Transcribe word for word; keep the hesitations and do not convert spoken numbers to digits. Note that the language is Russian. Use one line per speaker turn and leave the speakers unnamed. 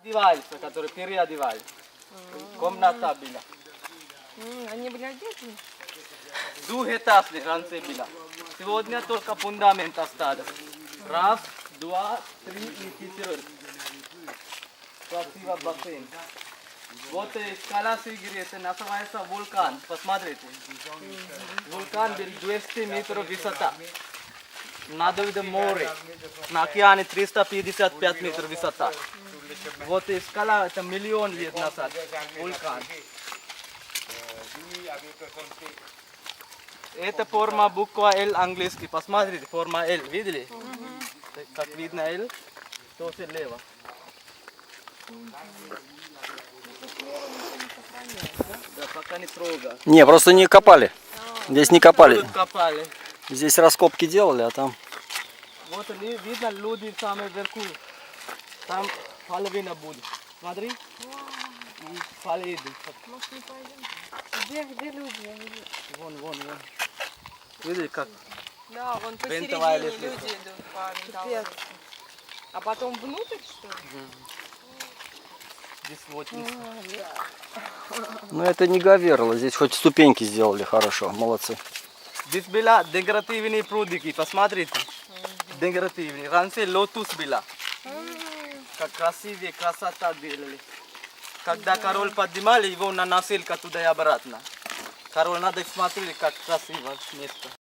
Одеваются, которые переодевали. Комната была.
Они были одеты?
Двухэтажный раньше была. Сегодня только фундамент остался. Раз, два, три и четвертый. Красиво бассейн. Вот э, скала Сигири, это называется вулкан. Посмотрите. Вулкан был двести метров высота. Над видом море. На океане триста пятьдесят пять метров высота. Вот и скала, это миллион лет назад. Вулкан. Это форма буква L английский. Посмотрите, форма L. Видели? Как видно L, то слева. Да, пока не трогай.
Не, просто не копали. Здесь не копали.
Тут копали.
Здесь раскопки делали, а там...
Вот ли- видно люди самые вверху. Там половина будет. Смотри. И полы идут.
Может, не пойдем? Где, где люди? Я не вижу.
Вон, вон, вон. Видели как?
Да, вон
Винтовая
посередине
лестница.
люди идут по винтовой. А потом внутрь, что ли?
Здесь вот вниз.
Ну это не Гаверла, здесь хоть ступеньки сделали хорошо, молодцы.
Здесь была декоративные прудики. Посмотрите. Декоративные. Раньше лотус была. Как красивее, красота делали. Когда король поднимали, его на носилка туда и обратно. Король надо смотреть, как красиво место.